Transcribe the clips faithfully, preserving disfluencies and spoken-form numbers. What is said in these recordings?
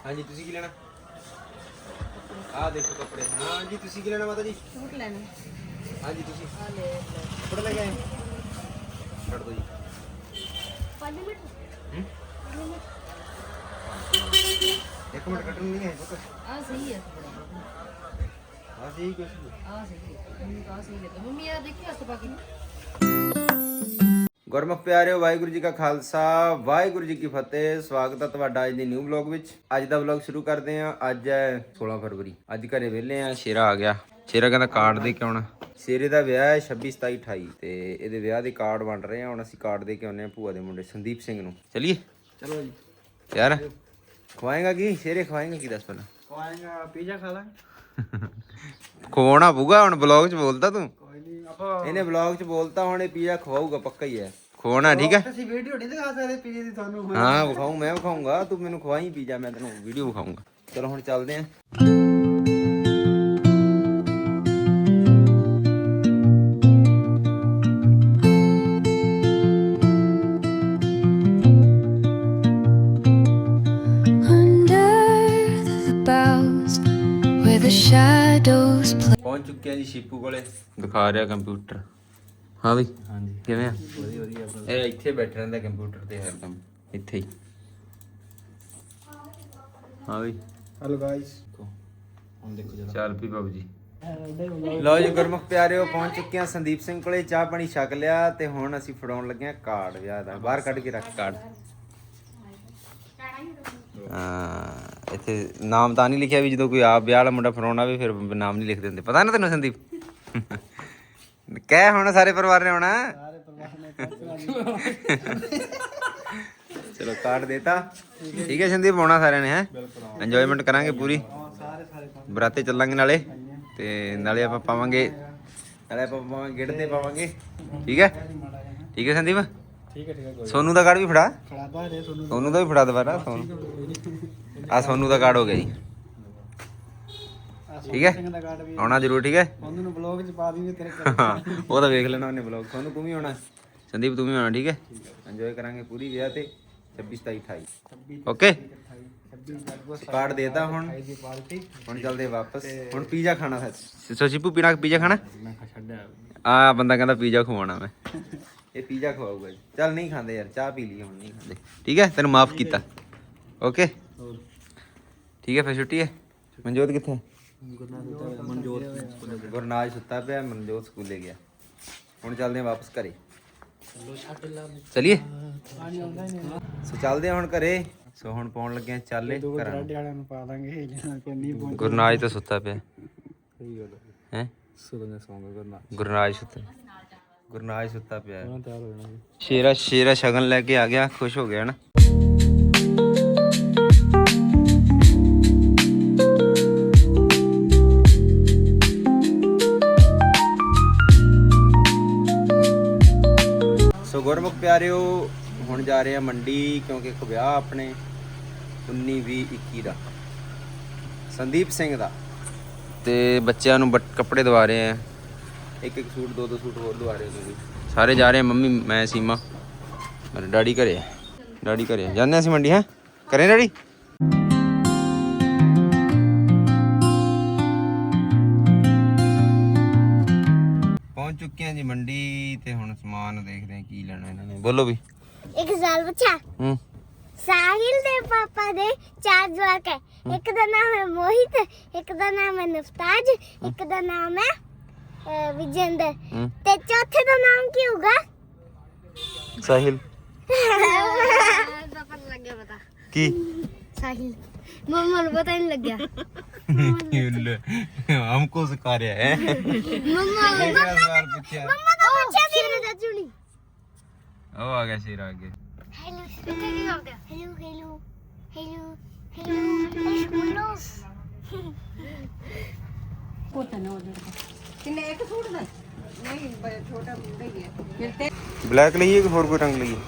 हाँ जी तुसी की लेना आ देखो कपड़े हाँ जी तुसी की लेना माता जी सूट लेने हाँ जी तुसी आ ले ले कपड़े लेके आए छड़ दो जी पाँच मिनट हम्म पाँच मिनट एक मिनट कटन नहीं है पता आ सही है कपड़ा हाँ सही कुछ आ सही है मम्मी का सही है तो मम्मी यार देखिए हस्त बाकी ਗੁਰਮੁਖ ਪਿਆਰਿਓ ਵਾਹਿਗੁਰੂ ਜੀ ਕਾ ਖਾਲਸਾ ਵਾਹਿਗੁਰੂ ਜੀ ਕੀ ਫਤਿਹ। ਸਵਾਗਤ ਹੈ ਤੁਹਾਡਾ ਅੱਜ ਦੇ ਨਿਊ ਵਲੌਗ ਵਿੱਚ। ਅੱਜ ਦਾ ਵਲੌਗ ਸ਼ੁਰੂ ਕਰਦੇ ਹਾਂ। ਅੱਜ ਹੈ ਸੋਲਾਂ ਫਰਵਰੀ। ਅੱਜ ਘਰੇ ਵਿਹਲੇ ਆ। ਸ਼ੇਰਾ ਆ ਗਿਆ। ਸ਼ੇਰਾ ਕਹਿੰਦਾ ਕਾਰਡ ਦੇ ਕੇ ਆਉਣਾ। ਸ਼ੇਰੇ ਦਾ ਵਿਆਹ ਹੈ ਛੱਬੀ ਸਤਾਈ ਅਠਾਈ ਤੇ ਇਹਦੇ ਵਿਆਹ ਦੇ ਕਾਰਡ ਵੰਡ ਰਹੇ ਆ। ਹੁਣ ਅਸੀਂ ਕਾਰਡ ਦੇ ਕੇ ਆਉਂਦੇ ਹਾਂ ਭੂਆ ਦੇ ਮੁੰਡੇ ਸੰਦੀਪ ਸਿੰਘ ਨੂੰ। ਚਲਿਏ ਚਲੋ ਜੀ। ਯਾਰ ਖਵਾਏਗਾ ਕੀ ਸ਼ੇਰੇ ਖਵਾਏਗਾ ਕੀ ਦੱਸ ਪਹਿਲਾਂ। ਖਵਾਏਗਾ ਪੀਜ਼ਾ ਖਾ ਲਾਂਗੇ। ਖਵਾਉਣਾ ਪਊਗਾ ਹੁਣ ਵਲੌਗ 'ਚ ਬੋਲਦਾ ਤੂੰ। ਕੋਈ ਨਹੀਂ ਆਪਾਂ ਇਹਨੇ ਵਲੌਗ 'ਚ ਬੋਲਤਾ ਹੁਣ ਇਹ ਪੀਜ਼ਾ ਖਵਾਊਗਾ ਪੱਕਾ ਹੀ ਹੈ। ਖਵਾਉਣਾ ਠੀਕ ਹੈ। ਅਸੀਂ ਵੀਡੀਓ ਨਹੀਂ ਦਿਖਾ ਸਕਦੇ ਪੀਜ਼ੇ ਦੀ ਤੁਹਾਨੂੰ। ਹਾਂ ਵਿਖਾਊਂ ਮੈਂ ਵਿਖਾਊਂਗਾ ਤੂੰ ਮੈਨੂੰ ਖਵਾਈ ਪੀਜ਼ਾ ਮੈਂ ਤੈਨੂੰ ਵੀਡੀਓ ਵਿਖਾਊਂਗਾ। ਚਲੋ ਹੁਣ ਚੱਲਦੇ ਆਂ। ਪਹੁੰਚ ਚੁੱਕੇ ਆ ਜੀ ਸ਼ੀਪੂ ਕੋਲੇ। ਦਿਖਾ ਰਿਹਾ ਕੰਪਿਊਟਰ। ਹਾਂ ਬਈ ਹਾਂਜੀ ਕਿਵੇਂ ਆ? ਵਧੀਆ ਵਧੀਆ। ਇਹ ਇੱਥੇ ਬੈਠਾ ਰਹਿੰਦਾ ਕੰਪਿਊਟਰ ਤੇ ਹਰਦਮ ਇੱਥੇ ਹੀ। ਹਾਂ ਬਈ ਹੈਲੋ ਗਾਇਸ ਹੁਣ ਦੇਖੋ ਜਰਾ ਚੱਲ ਪੀ ਬਾਬੂ ਜੀ। ਲਓ ਜੀ ਗੁਰਮੁਖ ਪਿਆਰਿਓ ਪਹੁੰਚ ਚੁੱਕੇ ਆ ਸੰਦੀਪ ਸਿੰਘ ਕੋਲੇ। ਚਾਹ ਪਾਣੀ ਛਕ ਲਿਆ ਤੇ ਹੁਣ ਅਸੀਂ ਫੜਾਉਣ ਲੱਗੇ ਆ ਕਾਰਡ ਵਿਆਹ ਦਾ। ਬਾਹਰ ਕੱਢ ਕੇ ਰੱਖ ਕਾਰਡ। ਹਾਂ ਇੱਥੇ ਨਾਮ ਤਾਂ ਨਹੀਂ ਲਿਖਿਆ ਵੀ ਜਦੋਂ ਕੋਈ ਆਪ ਵਿਆਹ ਵਾਲਾ ਮੁੰਡਾ ਫੜਾਉਣਾ ਵੀ ਫਿਰ ਨਾਮ ਨਹੀਂ ਲਿਖਦੇ ਹੁੰਦੇ। ਪਤਾ ਨਾ ਤੈਨੂੰ ਸੰਦੀਪ? ਕਹਿ ਹੁਣ ਸਾਰੇ ਪਰਿਵਾਰ ਨੇ ਆਉਣਾ। ਸਾਰੇ ਪਰਿਵਾਰ ਨੇ ਚਲੋ ਕਾਰਡ ਦੇਤਾ ਠੀਕ ਹੈ ਸੰਦੀਪ। ਆਉਣਾ ਸਾਰਿਆਂ ਨੇ ਹੈ ਇੰਜੋਇਮੈਂਟ ਕਰਾਂਗੇ ਪੂਰੀ। ਸਾਰੇ ਸਾਰੇ ਬਰਾਤੇ ਚੱਲਾਂਗੇ ਨਾਲੇ ਤੇ ਨਾਲੇ ਆਪਾਂ ਪਾਵਾਂਗੇ ਨਾਲੇ ਆਪਾਂ ਪਾਵਾਂਗੇ ਗਿੱਟ ਤੇ ਪਾਵਾਂਗੇ ਠੀਕ ਹੈ। ਠੀਕ ਹੈ ਸੰਦੀਪ ਠੀਕ ਹੈ ਠੀਕ ਹੈ। ਸੋਨੂ ਦਾ ਕਾਰਡ ਵੀ ਫੜਾ। ਖੜਾਦਾ ਰੇ ਤੁਹਾਨੂੰ ਸੋਨੂ ਦਾ ਵੀ ਫੜਾ ਦੁਬਾਰਾ। ਸੋਨੂ ਆ ਸੋਨੂ ਦਾ ਕਾਰਡ ਹੋ ਗਿਆ ਜੀ ਠੀਕ ਹੈ। ਸਿੰਘ ਦਾ ਕਾਰਡ ਵੀ ਆਉਣਾ ਜ਼ਰੂਰ ਠੀਕ ਹੈ। ਉਹਨੂੰ ਨੂੰ ਬਲੌਗ ਚ ਪਾ ਦਈਏ ਤੇਰੇ ਹਾਂ ਉਹ ਤਾਂ ਵੇਖ ਲੈਣਾ ਉਹਨੇ ਬਲੌਗ। ਸੋਨੂ ਤੂੰ ਵੀ ਆਉਣਾ ਸੰਦੀਪ ਤੂੰ ਵੀ ਆਉਣਾ ਠੀਕ ਹੈ। ਇੰਜੋਏ ਕਰਾਂਗੇ ਪੂਰੀ ਵਿਆਹ ਤੇ ਛੱਬੀ ਸਤਾਈ ਅਠਾਈ ਓਕੇ। ਕਾਰਡ ਦੇਤਾ ਹੁਣ ਹੁਣ ਚੱਲਦੇ ਵਾਪਸ। ਹੁਣ ਪੀਜ਼ਾ ਖਾਣਾ ਹੈ। ਸੋ ਸ਼ੀਪੂ ਪੀਣਾ ਪੀਜ਼ਾ ਖਾਣਾ। ਮੈਂ ਖਾ ਛੱਡਿਆ ਆ ਬੰਦਾ ਕਹਿੰਦਾ ਪੀਜ਼ਾ ਖਵਾਉਣਾ ਮੈਂ। ਇਹ ਪੀਜ਼ਾ ਖਵਾਊਗਾ ਜੀ। ਚੱਲ ਨਹੀਂ ਖਾਂਦੇ ਯਾਰ ਚਾਹ ਪੀ ਲਈ ਹੁਣ ਨਹੀਂ ਖਾਂਦੇ ਠੀਕ ਹੈ। ਤੈਨੂੰ ਮਾਫ ਕੀਤਾ ਓਕੇ ਠੀਕ ਹੈ। ਫਿਰ ਛੁੱਟੀ ਹੈ। ਮਨਜੋਤ ਕਿੱਥੇ? ਮਨਜੋਤ ਗੁਰਨਾਜ ਸੁੱਤਾ ਪਿਆ। ਮਨਜੋਤ ਸਕੂਲੇ ਗਿਆ। ਹੁਣ ਚੱਲਦੇ ਆ ਵਾਪਸ ਘਰੇ। ਚਲਿਏ ਸੋ ਚੱਲਦੇ ਆ ਹੁਣ ਘਰੇ। ਸੋ ਹੁਣ ਪਾਉਣ ਲੱਗੇ ਆ ਚਾਲੇ ਘਰਾਂ ਨੂੰ। ਵਾਲਿਆਂ ਨੂੰ ਪਾ ਦਾਂਗੇ ਜਿਹਨਾਂ ਕੋਲ ਨਹੀਂ ਪਹੁੰਚ। ਗੁਰਨਾਜ ਤਾਂ ਸੁੱਤਾ ਪਿਆ ਸਹੀ ਗੱਲ ਹੈ। ਸੁਣਨੇ ਸੌਂਗਾ ਕਰਨਾ ਗੁਰਨਾਜ ਸੁੱਤਾ ਗੁਰਨਾਜ ਸੁੱਤਾ ਪਿਆ। ਉਹਨਾਂ ਤਿਆਰ ਹੋ ਜਾਣਾ। ਸ਼ੇਰਾ ਸ਼ੇਰਾ ਸ਼ਗਨ ਲੈ ਕੇ ਆ ਗਿਆ। ਖੁਸ਼ ਹੋ ਗਿਆ ਨਾ। ਸੋ ਗੁਰਮੁਖ ਪਿਆਰਿਓ ਹੁਣ ਜਾ ਰਹੇ ਆ ਮੰਡੀ ਕਿਉਂਕਿ ਇੱਕ ਵਿਆਹ ਆਪਣੇ ਉੱਨੀ ਵੀਹ ਇੱਕੀ ਦਾ ਸੰਦੀਪ ਸਿੰਘ ਦਾ ਤੇ ਬੱਚਿਆਂ ਨੂੰ ਕੱਪੜੇ ਦਵਾ ਰਹੇ ਆ। ਇੱਕ ਇੱਕ ਸੂਟ ਦੋ ਦੋ ਸੂਟ ਹੋਰ ਦਵਾ ਰਹੇ ਤੁਸੀਂ ਸਾਰੇ ਜਾ ਰਹੇ ਆ। ਮੰਮੀ ਮੈਂ ਸੀਮਾ ਮੇਰੇ ਡੈਡੀ ਘਰੇ ਡੈਡੀ ਘਰੇ ਜਾਂਦੇ ਅਸੀਂ ਮੰਡੀ ਹੈ ਕਰੇ ਡੈਡੀ। ਪਹੁੰਚ ਚੁੱਕੇ ਹਾਂ ਜੀ ਮੰਡੀ ਤੇ ਹੁਣ ਸਮਾਨ ਦੇਖਦੇ ਹਾਂ ਕੀ ਲੈਣਾ ਇਹਨਾਂ ਨੇ। ਬੋਲੋ ਵੀ ਇੱਕ ਸਾਲ ਬੱਚਾ ਹੂੰ ਸਾਹਿਲ ਦੇ ਪਾਪਾ ਦੇ ਚਾਰ ਜਵਾਕ ਹੈ। ਇੱਕ ਦਾ ਨਾਮ ਹੈ ਮੋਹਿਤ, ਇੱਕ ਦਾ ਨਾਮ ਹੈ ਨਫਤਾਜ, ਇੱਕ ਦਾ ਨਾਮ ਹੈ ਅਹ, ਵਿਜੇਂਦਰ ਹੂੰ ਤੇ ਚੌਥੇ ਦਾ ਨਾਮ ਕੀ ਹੋਗਾ? ਸਾਹਿਲ ਪਤਾ ਲੱਗ ਗਿਆ ਪਤਾ ਕੀ ਸਾਹਿਲ ਮਮਾ ਨੂੰ ਪਤਾ ਨਹੀਂ ਲੱਗਿਆ। हमको सिखा रहा है ਮਮਾ सवाल पूछा ਮਮਾ ਤਾਂ ਪੁੱਛਿਆ ਸੀ ਮੇਰੇ ਚਾਚੂ ਨੇ। ओ आ गया शेर आगे ਹੈਲੋ ਇੱਥੇ ਕੀ ਕਰਦੇ ਆ? ਹੈਲੋ ਹੈਲੋ ਹੈਲੋ ਹੈਲੋ ਕੋਤਾ ਨਾ ਉਹਦੇ ਕਿੰਨੇ ਇੱਕ ਸੂਟ ਦਾ ਨਹੀਂ ਬੜਾ ਛੋਟਾ ਮੁੰਡਾ ਹੀ ਹੈ ਫਿਰ ਤੇ ब्लैक लिए कि और कोई रंग लिए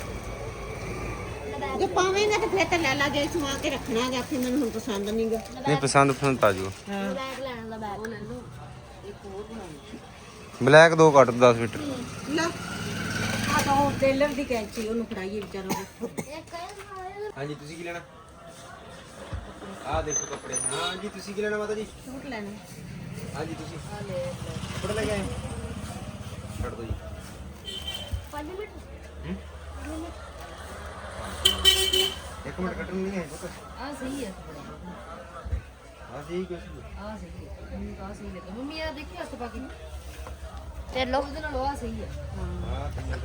ਜੇ ਪਾਵੇਂਗਾ ਤਾਂ ਫਿਰ ਤਾਂ ਲੈ ਲਾ ਜੇ ਸਵਾ ਕੇ ਰੱਖਣਾ ਹੈਗਾ ਫਿਰ ਮੈਨੂੰ ਹੁਣ ਪਸੰਦ ਨਹੀਂਗਾ। नहीं पसंद पसंद आ जाओ ਬੈਗ ਲੈਣ ਦਾ ਬੈਗ ਲੈ ਲਓ। ਇੱਕ ਹੋਰ ਬਣਾਉਣੀ ब्लैक दो काट दस मीटर ਲਾ ਆ ਤਾਂ ਉਹ ਟੇਲਰ ਦੀ ਕੈਂਚੀ ਉਹਨੂੰ ਫੜਾਈਏ ਵਿਚਾਰਾ। हाँ जी तुसी की लेना ਆ ਦੇਖੋ ਕੱਪੜੇ। ਹਾਂ ਜੀ ਤੁਸੀਂ ਕੀ ਲੈਣਾ ਮਾਤਾ ਜੀ? ਸੂਟ ਲੈਣੇ ਹਾਂ ਜੀ ਤੁਸੀਂ ਆ ਲੈ ਲੈ ਕੱਪੜੇ ਲੈ ਕੇ ਆਏ? ਛੱਡ ਦੋ ਜੀ। ਪੰਜ ਮਿੰਟ ਹੂੰ? ਇੱਕ ਮਿੰਟ ਕੱਟਣ ਨਹੀਂ ਹੈ ਪੁੱਤ। ਆ ਸਹੀ ਹੈ ਹਾਂ ਜੀ ਕੁਛ ਆ ਸਹੀ ਹੈ ਮੈਨੂੰ ਤਾਂ ਆਹ ਸਹੀ ਲੱਗਾ ਮੰਮੀ ਆ ਦੇਖੀ ਹੱਥ ਪਾ ਕੇ ਤੇ ਲੋ ਉਹਦੇ ਨਾਲ ਆ ਸਹੀ ਹੈ ਹਾਂ ਹਾਂ ਤਿੰਨ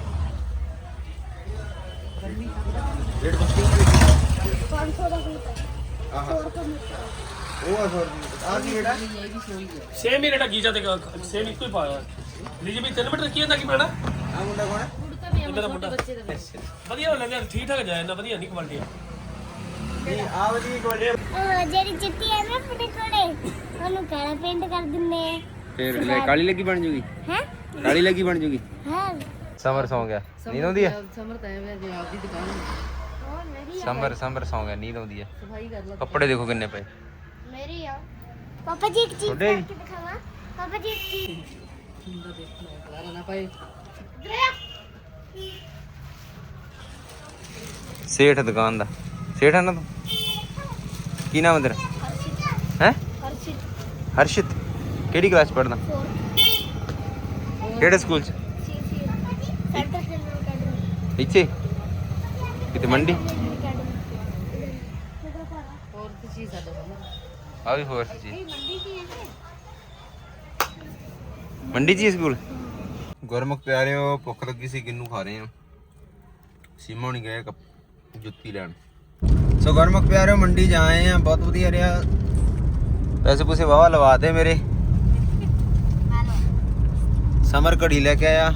ਗਰਮੀ ਰੇਟ ਬੱਤੀ ਪੰਜ ਸੌ ਦਾ ਸੂਟ ਹੈ ਆਹ ਸੌ ਰੁਪਏ ਮੀਟਰ ਉਹ ਆ ਸੌ ਰੁਪਏ ਆ ਕੀ ਰੇਟ ਆ? ਇਹ ਵੀ ਸੋਈ ਹੈ ਸੇਮ ਹੀ ਰੇਟਾ ਗੀਜਾ ਤੇ ਸੇਮ ਇੱਕੋ ਹੀ ਪਾਇਆ ਲੀਜੀ ਵੀ ਤਿੰਨ ਮੀਟਰ ਕੀ ਹੁੰਦਾ ਕੀ ਪੈਣਾ ਆ ਮੁੰਡਾ ਕੌਣ ਹੈ? ਕੁੜਤਾ ਵੀ ਇਹਦਾ ਛੋਟੇ ਮੁੰਡਾ ਬੱਚੇ ਦਾ ਵੀ ਵਧੀਆ ਲੈਂਦੇ ਠੀਕ ਠਾਕ ਜਾਏ ਨਾ ਵਧੀਆ ਨਹੀਂ ਕੁਆਲਿਟੀ ਆ ਨਹੀਂ ਆ ਵਾਲੀ ਕੁਆਲਿਟੀ ਉਹ ਜਿਹੜੀ ਚਿੱਟੀ ਹੈ ਨਾ ਆਪਣੇ ਕੋਲੇ ਉਹਨੂੰ ਕਾਲਾ ਪੇਂਟ ਕਰ ਦਿੰਦੇ ਆ ਫੇਰ ਲੈ ਕਾਲੀ ਲੱਗੀ ਬਣ ਜੂਗੀ। ਹੈ ਕਾਲੀ ਲੱਗੀ ਬਣ ਜੂਗੀ। ਹਾਂ ਸਮਰ ਸੌਂ ਗਿਆ। ਨੀਂਦ ਆਉਂਦੀ ਹੈ? ਸਮਰਤ ਹੈ ਵੇ ਜੇ ਆਪਦੀ ਦੁਕਾਨ ਹੋਰ ਮੇਰੀ ਸਮਰ ਸਮਰ ਸੌਂ ਗਿਆ, ਨੀਂਦ ਆਉਂਦੀ ਹੈ। ਸਫਾਈ ਕਰ ਲਾ ਕੱਪੜੇ ਦੇਖੋ ਕਿੰਨੇ ਪਏ। ਮੇਰੀ ਆ ਪਾਪਾ ਜੀ ਇੱਕ ਚੀਜ਼ ਤੁਹਾਡੇ? ਕਰਕੇ ਦਿਖਾਵਾਂ ਪਾਪਾ ਜੀ ਇੱਕ ਚੀਜ਼ ਹੁੰਦਾ ਦੇਖਣਾ ਖਲਾਰਾ ਨਾ ਪਾਏ ਸੇਠ ਦੁਕਾਨ ਦਾ ਸੇਠ ਹੈ ਨਾ ਤੂੰ? ਕੀ ਨਾਮ ਹੈ ਤੇਰਾ? ਹੈ ਹਰਸ਼ਿਤ ਹਰਸ਼ਿਤ। ਕਿਹੜੀ ਕਲਾਸ ਪੜ੍ਹਦਾ? ਕਿਹੜੇ ਸਕੂਲ ਚ? ਸੈਂਟਰ ਜਨਰਲ ਅਕੈਡਮੀ ਇੱਥੇ ਕਿਤੇ ਮੰਡੀ? ਹੋਰ ਤੇ ਚੀਜ਼ ਸਾਡਾ ਸਮਰ ਆ ਵੀ ਹੋਰ ਜੀ। ਮੰਡੀ ਕੀ ਹੈ ਮੰਡੀ ਜੀ ਸਕੂਲ। ਗੁਰਮੁਖ ਪਿਆਰਿਓ ਭੁੱਖ ਲੱਗੀ ਸੀ, ਕਿੰਨੂ ਖਾ ਰਹੇ ਆ। ਸੀਮਾ ਹੁਣੀ ਗਏ ਕੱਪ- ਜੁੱਤੀ ਲੈਣ। ਸੋ ਗੁਰਮੁਖ ਪਿਆਰਿਓ ਮੰਡੀ ਜਾ ਆਏ ਆ, ਬਹੁਤ ਵਧੀਆ ਰਿਹਾ। ਪੈਸੇ ਪੂਸੇ ਵਾਵਾ ਲਵਾਤੇ ਮੇਰੇ। ਸਮਰ ਘੜੀ ਲੈ ਕੇ ਆਇਆ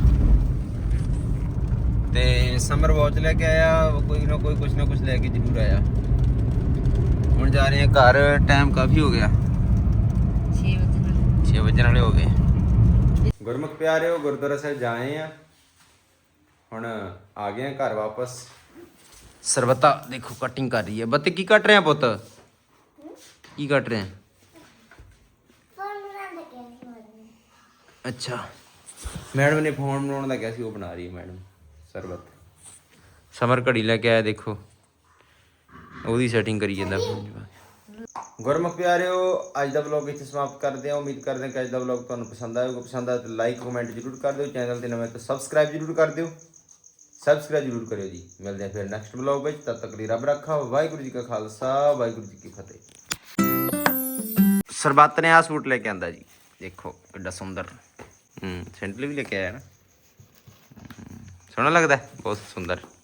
ਤੇ ਸਮਰ ਵਾਚ ਲੈ ਕੇ ਆਇਆ। ਕੋਈ ਨਾ ਕੋਈ ਕੁਛ ਨਾ ਕੁਛ ਲੈ ਕੇ ਜ਼ਰੂਰ ਆਇਆ। ਹੁਣ ਜਾ ਰਹੇ ਆ ਘਰ, ਟਾਈਮ ਕਾਫੀ ਹੋ ਗਿਆ, ਛੇ ਵਜੇ ਨਾਲ ਛੇ ਵਜੇ ਵਾਲੇ ਹੋ ਗਏ। ਗੁਰਮੁਖ ਪਿਆਰਿਓ ਗੁਰਦੁਆਰਾ ਸਾਹਿਬ ਜਾਏ ਆ, ਹੁਣ ਆ ਗਏ ਆ ਘਰ ਵਾਪਸ। ਸਰਬਤਾ ਦੇਖੋ ਕਟਿੰਗ ਕਰ ਰਹੀ ਹੈ। ਬੱਤੇ ਕੀ ਕੱਟ ਰਹੇ ਆ ਪੁੱਤ? ਕੀ ਕੱਟ ਰਹੇ ਆ? ਫੋਨ ਬਣਾ ਦੇ ਕੇ ਅੱਛਾ ਮੈਡਮ ਨੇ ਫੋਨ ਬਣਾਉਣ ਦਾ ਕਿਹਾ ਸੀ, ਉਹ ਬਣਾ ਰਹੀ ਹੈ ਮੈਡਮ ਸਰਬਤ। ਸਮਰ ਘੜੀ ਲੈ ਕੇ ਆਇਆ, ਦੇਖੋ ਉਹਦੀ ਸੈਟਿੰਗ ਕਰੀ ਜਾਂਦਾ ਫੋਨ 'ਚ। ਗੁਰਮੁਖ ਪਿਆਰਿਓ ਅੱਜ ਦਾ ਵਲੌਗ ਇੱਥੇ ਸਮਾਪਤ ਕਰਦੇ ਹਾਂ। ਉਮੀਦ ਕਰਦੇ ਹਾਂ ਕਿ ਅੱਜ ਦਾ ਵਲੌਗ ਤੁਹਾਨੂੰ ਪਸੰਦ ਆਏਗਾ। ਪਸੰਦ ਆਇਆ ਤਾਂ ਲਾਈਕ ਕਮੈਂਟ ਜ਼ਰੂਰ ਕਰ ਦਿਓ। ਚੈਨਲ ਤੇ ਨਵੇਂ ਤਾਂ ਸਬਸਕ੍ਰਾਈਬ ਜ਼ਰੂਰ ਕਰ ਦਿਓ। ਸਬਸਕ੍ਰਾਈਬ ਜ਼ਰੂਰ ਕਰਿਓ ਜੀ। ਮਿਲਦੇ ਹਾਂ ਫਿਰ ਨੈਕਸਟ ਵਲੌਗ ਵਿੱਚ। ਤਦ ਤੱਕ ਲਈ ਰੱਬ ਰੱਖਾ। ਵਾਹਿਗੁਰੂ ਜੀ ਕਾ ਖਾਲਸਾ ਵਾਹਿਗੁਰੂ ਜੀ ਕੀ ਫਤਿਹ। ਸਰਬੱਤ ਨੇ ਆਹ ਸੂਟ ਲੈ ਕੇ ਆਂਦਾ ਜੀ, ਦੇਖੋ ਕਿੱਡਾ ਸੁੰਦਰ। ਹੂੰ ਸੈਂਡਲ ਵੀ ਲੈ ਕੇ ਆਇਆ ਨਾ, ਸੋਹਣਾ ਲੱਗਦਾ, ਬਹੁਤ ਸੁੰਦਰ।